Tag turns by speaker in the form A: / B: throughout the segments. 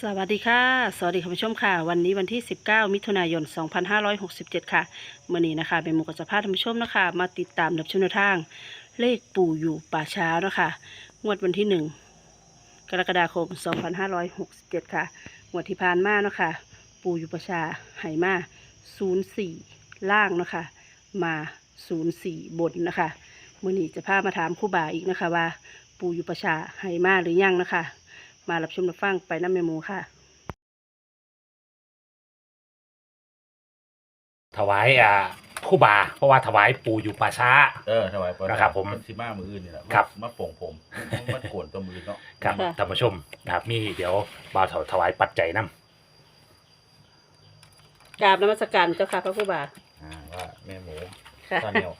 A: สวัสดีค่ะสวัสดีคุณผู้ชมค่ะวันนี้วันที่19มิถุนายน2567ค่ะเมื่อนี้นะคะเป็นหมู่กัจจพาท่านผู้ชมนะคะมาติดตามรับชมแนวทางเลขปู่อยู่ป่าช้าเนาะคะงวดวันที่1กรกฎาคม2567ค่ะงวดที่ผ่านมาเนาะค่ะปู่อยู่ป่าช้าไหมา04ล่างเนาะค่ะมา04บนนะคะเมื่อนี้จะพามาถามครูบาอีกนะคะว่าปู่อยู่ป่าช้าไหมาหรือยังนะคะมารับชมรับฟังไปน้ำเมมูค่ะ
B: ถวายครู่บาเพราะว่าถวายปู่อยู่ป่าช้า
C: ถวายปลา
B: นะครับผม
C: สิมามืออื่นนี่แหละ
B: ครับ
C: มาโป่งผมมันโกนตัวมือเนาะ
B: ครับ
A: ค่ะ
B: ท่านผู้ชมนะครับมีเดี๋ยวบ่าวถวายปัจจัยนำ
A: กราบนมัสการเจ้าค่ะพระครูบา
C: ว่าแม่หมู
A: ค่ะ
C: ตาเนียว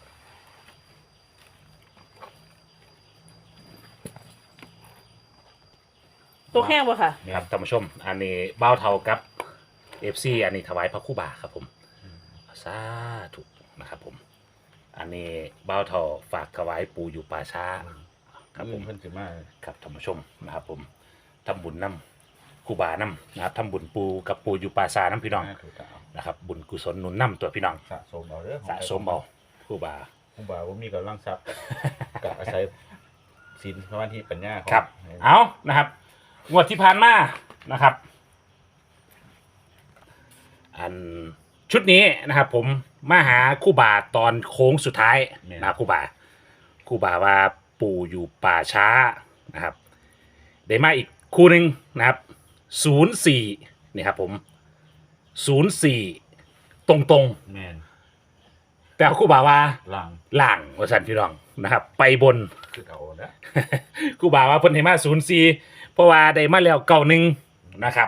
A: ตัวแห้งบ่ค่ะ
B: ครับท่านผู้ชมอันนี้บ่าวเท่ากับ FC อันนี้ถวายพระครู่บาครับผมสาธุนะครับผมอันนี้บ่าวเท่าฝากถวายปู่อยู่ป่าช้าครับผม
C: เพิ่นสิมา
B: ครับท่านผู้ชมนะครับผมทำบุญนำครู่บานำนะครับทำบุญปู่กับปู่อยู่ป่าช้านํพี่น้อง
C: ถูกต้อง
B: นะครับบุญกุศลหนุนนำตัวพี่น้อง
C: สะสมเอาเด้อ
B: สะสมเอาครู่บา
C: ผมบอกว่ามีกำลังทรัพย์กับอาศัยศีลสมาธิปัญญาของ
B: ครับเอานะครับงวดที่ผ่านมานะครับอันชุดนี้นะครับผมมาหาครู่บาตอนโค้งสุดท้ายนะครับครู่บาว่าปู่อยู่ป่าช้านะครับได้มาอีกคู่หนึ่งนะครับ04นี่ครับผม04ตรงๆ
C: แม่น
B: แต่ครู่บาว่า
C: ล่าง
B: ล่างว่าสันพี่น้องนะครับ ไปบน
C: คือเอาเด้อ
B: ครู่บาว่าเพิ่นให้มา04เพราะว่าได้มาแล้ว91นะครับ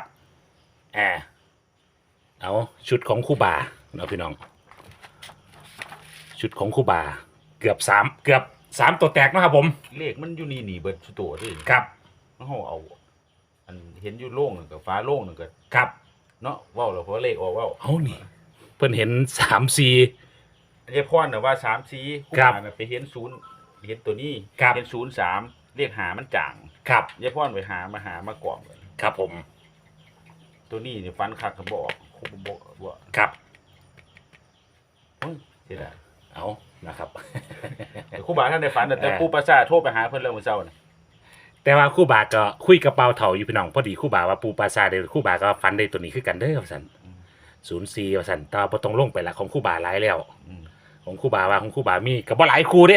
B: เอาชุดของครู่บาเนาะพี่น้อง ชุดของครู่บาเกือบ3ตัวแตกนะครับผม
C: เลขมันอยู่นี่หนีเบิดสุดโตัวเด้
B: ครับ
C: เฮาเอาอันเห็นอยู่โล่งนึงกับฟ้าโล่งนึงก็
B: ครับ
C: เนาะเว้าแล้วเพราะเลขออกเว้า
B: เอานี่เพิ่นเห็น34
C: เรียกพ่อน่ะว่า3สีผู้
B: ครับ
C: อ่านน่ะไปเห็น0เห็นตัวนี้
B: ครับ
C: เห็น03เรียกหามันจ่าง
B: ครับ
C: ยายพ่อนไปหามากล่อมกัน
B: ครับผม
C: ตัวนี้นี่ฟันคักก็บอกคงบอกว่า
B: ครับ
C: เฮ้ยเสียดาย
B: เอานะครับ
C: แต่ครูบาท่านได้ฝันแต่ปู่ประสาทโทรไปหาเพิ่นเรื่องมื้อเช้าน่ะ
B: แต่ว่าครู่บาก็คุยกับเปาเถาอยู่พี่น้องพอดีครู่บาว่าปูปลาซาเดครู่บาก็ฟันได้ตัวนี้คือกันเด้อว่าซั่น04ว่าซั่นแต่ว่าบ่ต้องลงไปละของครู่บาหลายแล้ว
C: อืม
B: ของครู่บาว่าของครู่บามีก็บ่หลายคู่เด้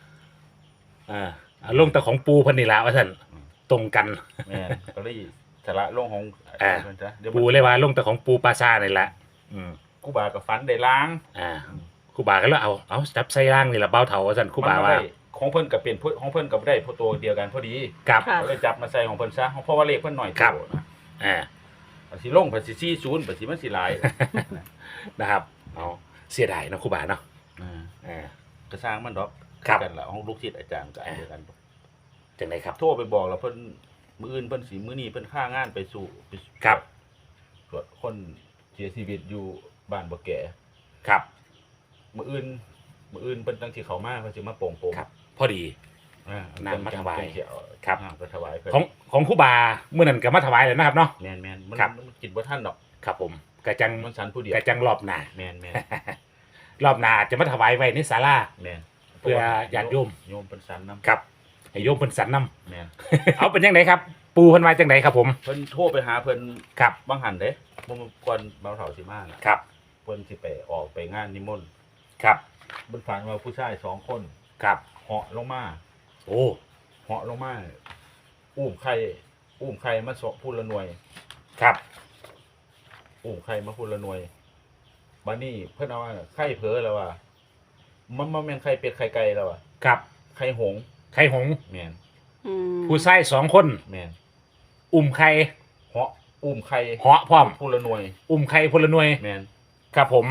B: เอาลงแต่ของปูเพิ่นนี่ล่ะว่าซั่นตรงกัน
C: แม่นก็เลยสาระลงของ
B: อ่า
C: เพิ่นจ้ะเดี๋ยว
B: ปูเลยว่าลงแต่ของปูปลาซานี่ล่ะอืม
C: ครูบาก็ฝันได้ล้าง
B: ครู่บาก็เลยเอาจับใส่ร่างนี่ล่ะเปาเถาว่าซั่นครู่บาว่า
C: มันได้ของเพิ่นก็เป็นของเพิ่นก็บ่ได้เพราะตัวเดียวกันพอดี
B: ครับ
A: ค่ะ
C: ก็เลยจับมาใส่ของเพิ่นซะเพราะว่าเลขเพิ่นน้อย
B: ครับ
C: โตนะ
B: อ่า
C: สิลงเพิ่นสิ40เพิ่นสิมันสิหลาย
B: นะครับเอาเสียดายเนาะครู่บาเนาะ อ่า
C: ก็สร้างมันดอก
B: ครับ
C: กันละของลูกศิษย์อาจารย์ก็อันเดียวกัน
B: จังไดครับ
C: โทรไปบอกแล้วเพิ่นมื้ออื่นเพิ่นสิมื้อนี้เพิ่นค่างานไปสู่ไป
B: ครับ
C: ตรวจคนเสียชีวิตอยู่บ้านบ่แก่
B: ครับ
C: มื้ออื่นเพิ่นตั้งสิเข้ามาเพิ่นสิมาโป่งโป่ง
B: ครับ พอดี
C: น้ำ
B: น้ำมาถวาย
C: ค
B: ครั
C: รับ บไปถวายเพิ่น
B: ของครู่บาเมื่อนั้นก็มาถวายแล้วนะครับเนาะ
C: แม่นๆมัน
B: ครับ
C: มันกินบ่ทันดอก
B: ครับผมกระจัง
C: มันสันผู้เดียว
B: กระจังรอบหน้า
C: แม่น
B: รอบหน้าอาจจะมาถวายไว้ในศาลา
C: แม่น
B: เพื่อญาติโยม
C: โยมเพิ่นสันนำ
B: ครับให้โยมเพิ่นสันน
C: แม่น
B: ำ เอาเป็นยังไงครับ ปูเพิ่นมาจังไดครับผม
C: เพิ่นโทรไปหาเพิ่น
B: ครับ
C: บางหันเด้บ่มาก่อนเบาเฒ่าสิมาน่ะ
B: ครับ
C: เพิ่นสิไปออกไปงานนิมนต์
B: ครับ
C: เพิ่นฝันว่าผู้ชาย2คน
B: ครับ
C: เหาะลงมา
B: โอ้
C: เหาะลงมาอุ้มไข่มาสพูดละหน่วย
B: ครับ
C: อุ้มไข่มาพูดละหน่วยบัดนี้เพิ่นเอาว่าไข่เผลอแล้วว่ามันบ่แม่นไข่เป็ดไข่ไก่แล้วว่า
B: ครับ
C: ไข่หงส์
B: ไข่หงส์
C: แม่น
B: ผู้ชาย2คน
C: แม่น
B: อุ้มไข่
C: เหาะอุ้มไข่
B: เหาะพร้อม
C: พูดละหน่วย
B: อุ้มไข่พลหน่วย
C: แม่น
B: ครับผม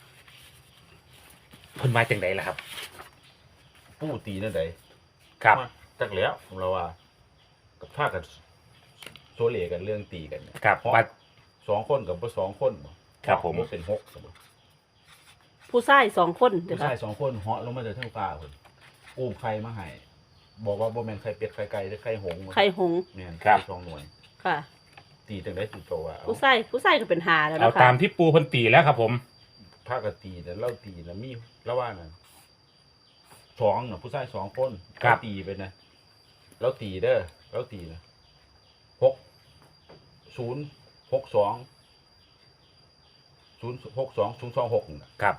B: เพิ่นมาจังไดล่ะครับ
C: ปู้ตีนั่นใด
B: ครับ
C: มาจักแล้วเราว่ากับพากันโซเลกันเรื่องตีกันเนี่ย
B: ครับ
C: เหาะ
B: ว่า
C: 2คนกับบ่2คนบ่
B: ครับผม
C: บ่เป็น6บ่
A: ผู้ชาย2 คนเด้อ
C: ผู้
A: ค่ะ
C: ชาย2คนเหาะลงมาจากเทิงฟ้าพุ่นอุ้มไข่มาให้บอกว่าบ่แม่นไข่เป็ดไข่ไก่หรือไข่หงส์
A: ไข่หงส์
C: แม่น
B: ครับ
C: สองหน่วย
A: ค่ะ
C: ตีตีจังได้สิโตว่า
A: ผู้ใส่ก็เป็นหาแล้ว
B: เอา
A: นะคะ
B: ตามที่ปูเพิ่นตีแล้วครับผม
C: ภาคตีแต่เล่าตีนะมีแล้วว่าน่ะสองน่ะผู้ชายสองคนเราตีไปนะเราตีเด้อเราตีนะ6062 062 026น่ะ
B: ครับ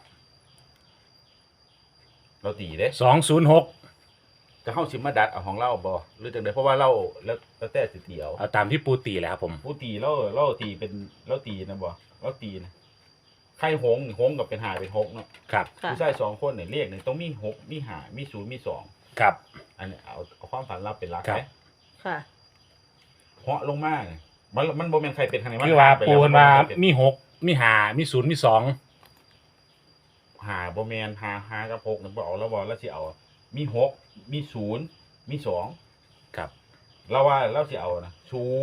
C: เราตีเด้
B: 206
C: จะเข้าสิมาดัดเอาของเราบ่หรือจังได๋เพราะว่าเราแล้วแต่สิตีเอา
B: เอาตามที่ปูตีแล้วครับผม
C: ผู้ตีเราตีเป็นเราตีนะบ่เราตีนะไข่หงส์กับเป็นหาเป็นหกเนาะ
B: ครับ
A: ค่ะ
C: ผู้ชาย2คนเนี่ยเลขเนี่ยต้องมี6มี5มี0มี2
B: ครับ
C: อันนี้เอาความฝันเราเป็นหลัก
B: ครับ
C: ไหม
A: ค่ะ
C: เหาะลงมาเนี่ยมันบ่แม่นใครเป็นทางไหน
B: คือว่า
C: หยไป
B: ปู
C: แล้ว
B: เพิ่นว่า
C: เป็น
B: มี6มี5มี0มี2
C: หาบ่แม่นหากับ6นั่นบ่เอาแล้วบ่แล้วสิเอามี6มี0มี2
B: ครับ
C: เราว่าเราสิเอานะ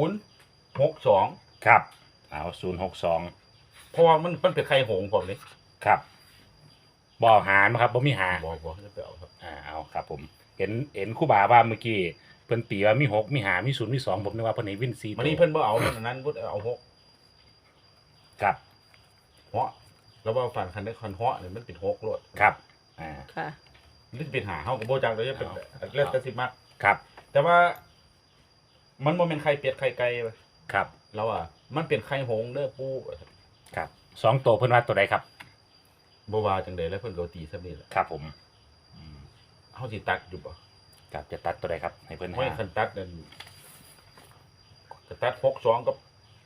C: 062
B: ครับ เอา062
C: เพราะว่ามันเป็นไข่หงส์ผมเลย
B: ครับบ่หารบ่ครับบ่มีหา
C: บ่จะไปเอาครับ
B: เอาครับผมเห็นครูบาว่าเมื่อกี้เพิ่นตีว่ามี6มี5มี0มี2ผมนึกว่าเพิ่นให้วิน4
C: มันนี่เพิ่นบ่เอามันอันนั้นบ่เอา6
B: ครับ
C: เหาะแล้วว่าฝันคันได้คันเหาะเนี่ยมันเป็น6โลด
B: ครับ
A: ค่ะ
C: มันสิเป็นหาเฮาก็บ่จักเลยจะเป็น
B: เอา
C: แล้วแต่สิมัก
B: ครับ
C: แต่ว่า มันบ่แม่นไข่เป็ดไข่ไก่เว้ย
B: ครับ
C: เราอ่ะมันเป็นไข่หงส์เด้อปู่
B: ครับ2ตัวเพิ่นว่าตัวใดครับ
C: บ่ว่าจังได๋แล้วเพิ่นก็ตีซำนี้แหละ
B: ครับผมอืม
C: เฮาสิตัดอยู่บ่
B: ครับจะตัดตัวใดครับให้เพิ่น
C: ไม่
B: หา
C: คันตัดนั่นจะตัด62กับ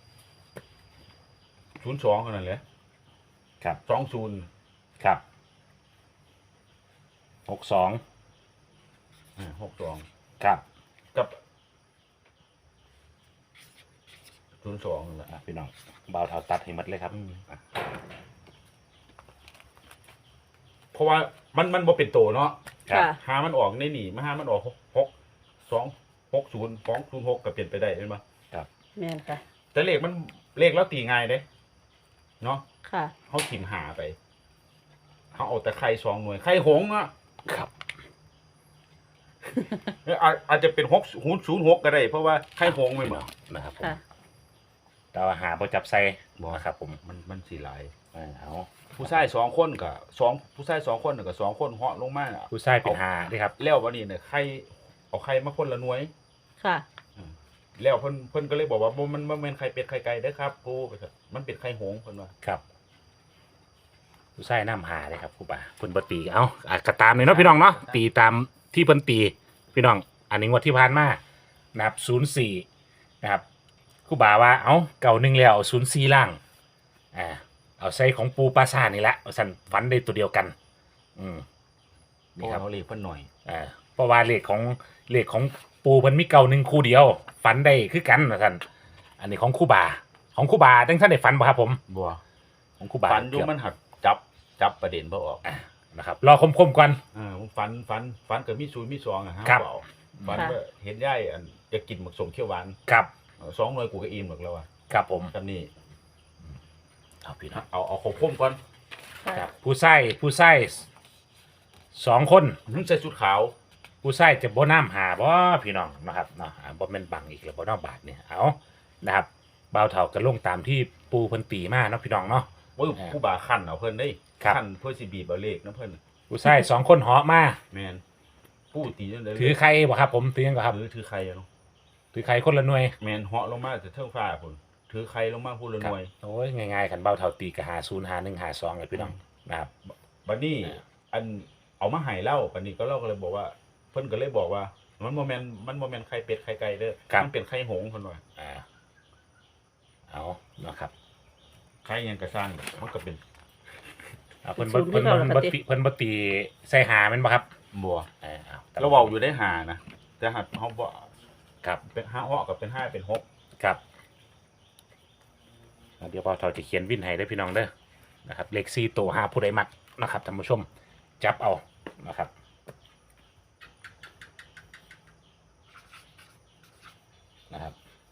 C: 02เท่านั้นแหละ
B: ครับ
C: 20
B: ครับ62
C: 62
B: ครับ
C: กับ02นั่นแหละ
B: พี่น้องบ่าวเท่าตัดให้หมดเลยครับ
C: เพราะว่ามันบ่เป็นโตเนาะ
B: ครับ
A: ค่ะ
C: หามันออกในนี่มาหามันออก260 206ก็เปลี่ยนไปได้เห็นบ่
A: แม่นค่ะ
C: แต่เลขแล้วตีง่ายเด้เนาะ
A: ค่ะ
C: เฮาถิ่มหาไปเขาเอาแต่ไข่2หน่วยไข่หงส์อ่ะ
B: ครับ
C: อาจจะเป็น06ก็ได้เพราะว่าไข่หงส์แม่นบ่
B: นะครับผม
A: ค่ะ
B: แต่ว่าหาบ่จับใส่
C: บ่
B: นะครับผม
C: มันสิหลาย
B: เอา
C: ผู้ชาย2คนก็ผู้ชาย2คนก็2คนเหาะลงมาอะ
B: ผู้ชายเป็นหาเด้ครับ
C: แล้ววันนี้เนี่ยไข่เอาไข่มาคนละหน่วย
A: ค่ะ
C: แล้วเพิ่นก็เลยบอกว่าบ่มันบ่แม่นไข่เป็ดไข่ไก่เด้อครับปู่มันเป็นไข่หงส์เพิ่นว่า
B: ครับ ผู้ชายน้ำหาเลยครับครูบาเพิ่นบ่ตีเอาก็ตามเลยเนาะพี่น้องเนาะตีตามที่เพิ่นตีพี่น้อง อันนี้งวดที่ผ่านมานะครับ04นะครับครูบาว่าเอาเก่า1แล้วเอา04ล่างเอาใส่ของปูปลาซ่านี่ละสั่นฝันได้ตัวเดียวกัน
C: นี่
B: นี่
C: ค
B: ค
C: รั
B: รั
C: บบ เอาเลขเพิ่นหน่อย
B: เพราะว่าเลขของปูเพิ่นมีเก่า1คู่เดียวฝันได้คือกันว่าซั่นอันนี้ของครูบาจังซั่นได้ฝันบ่ครับผม
C: บ่
B: ของครูบา
C: ฝันอยู่มันหักจับประเด็นบ่ออก
B: นะครับรอคมๆก่อน
C: ผมฝันก็มี0มี2อ่ะฮะ
B: ครับ
C: เปล่าฝันว่าเห็นยายอันจะกินหมึกสมเขียวหวาน
B: ครับ
C: 2หน่วยกูก็อิ่มหมึกแล้วอ่ะ
B: ครับผม
C: ซำนี้
B: เอาพี่น้อง
C: เอาคมก่อน
B: ครับผู้ใส่2คน
C: นุ่งใส่ชุดขาว
B: ผู้ใส่จะบ่น้ำหาบ่พี่น้องนะครับเนาะบ่แม่นบังอีกแล้วบ่เนอกบาทเนี่ยเอานะครับบ่าวเฒ่าก็ลงตามที่ปูเพิ่นตีมาเนาะพี่น้องเนาะ
C: ว่าผู้บ่าคั่นเอาเพิ่นได้
B: ครับ
C: คั่นเพื่อสิบีบเอาเลขนะเพิ่น
B: ผู้ใส่2คนเหาะมา
C: แม่นผู้ตีจังได๋
B: ถือใครบ่ครับผมถือหยังบ่ครับ
C: ถือใครอะเนาะ
B: ถือใครคนละหน่วย
C: แม่นเหาะลงมาจากเทิงฟ้าพุ่นถือใครลงมาพูดละหน่วย
B: โอ้ยง่ายๆคันบ่าวเฒ่าตีก็หา0หา1หา2เลยพี่น้องนะครับ
C: บัดนี้อันเอามาให้เล่าบัดนี้ก็เล่าก็เลยบอกว่า เพิ่นก็เลยบอกว่า มันบ่แม่นไข่เป็ดไข่ไก่เด้อมันเป็นไข่หงส์เพิ่นว่า
B: เอานะครับ
C: ไข่หยังก็สร้างมันก็เป็น
B: เพิ่นบ่ตีใส่หาแม่นบ่ครับ
C: บัว
B: เอา
C: เราเว้าอยู่ได้หานะแต่หัดเฮาบ่
B: ครับ
C: เป็น5เหาะกับเป็น5เป็น6
B: ครับเดี๋ยวพอเราจะเขียนวินให้ได้อพี่น้องเด้อนะครับเลข4ตัว5ผู้ใดมักนะครับท่านผู้ชมจับเอานะครับนะครับ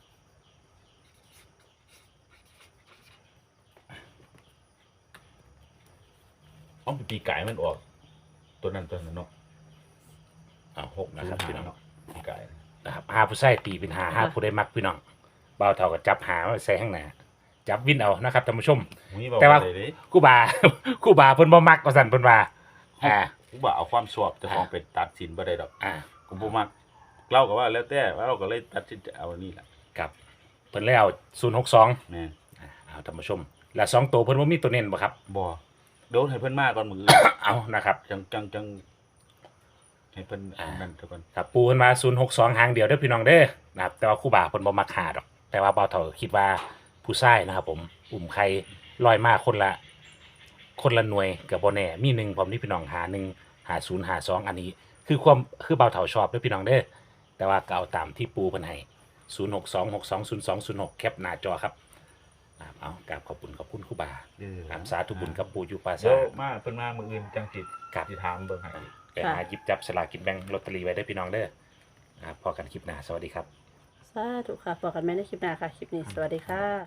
C: เอาปีกายมันออก ตัวนั้นเนาะ
B: เอา6นะครับพี่น้อง
C: เนาะปีกาย
B: นะครับ5ผู้ใส่ตีเป็น5ผู้ใดมักพี่น้องบ่าวเฒ่าก็จับหามาใส่ข้างหน้าจับวินเอานะครับท่านผู้ชม
C: มีบอก
B: แต่ว่า
C: อะไรเด้
B: ครู่บา ครู่บาเพิ่นบ่มักว่าซั่นเพิ่นว่า
C: กูบอกเอาความชอบเจ้าของไปตัดสินบ่ได้ดอก
B: อ่า
C: กูบ่มักเราก็ว่าแล้วแต่ว่าเราก็เลยตัดสินใจเอาอันนี้ล่ะ
B: ครับเพิ่นเลยเอา062
C: แม่น
B: เอาท่านผู้ชม แล้ว2ตัวเพิ่นบ่มีตัวเน้นบ่ครับ
C: บ่โดนให้เพิ่นมาก่อนมื้ออื่น
B: เอานะครับ
C: จังให้เพิ่นนั่นซะก่อน
B: ครับปูเพิ่นมา062หางเดียวเด้อพี่น้องเด้อนะครับแต่ว่าครู่บาเพิ่นบ่มักหาดอก แต่ว่าบ่าวเฒ่าคิดว่าผู้ชายนะครับผมอุ้มไข่ลอยมาคนละหน่วยก็บ่แน่มี1พร้อมนี่พี่น้องหา1หา0หา2อันนี้ คือบ่าวเฒ่าชอบเด้อพี่น้องเด้อแต่ว่าก็เอาตามที่ปูเพิ่นให้0626202206แคปหน้าจอครับเอากราบขอบคุณครู่บาสาธุบุญกับปู่อยู่ปรา
C: เดี๋
B: สา
C: ยว
B: ท
C: มาเพิ่นมามื้ออื่นจังสิ
B: ครับ
C: สิถามเบิ่งให้
B: ไปหาหยิบจับสลากกินแบ่งลอตเตอรี่ไว้ได้อพี่น้องเด้อพอกันคลิปหน้าสวัสดีครับ
A: สาธุค่ะพบกันใหม่ในคลิปหน้าค่ะ คลิปนี้สวัสดีค่ะ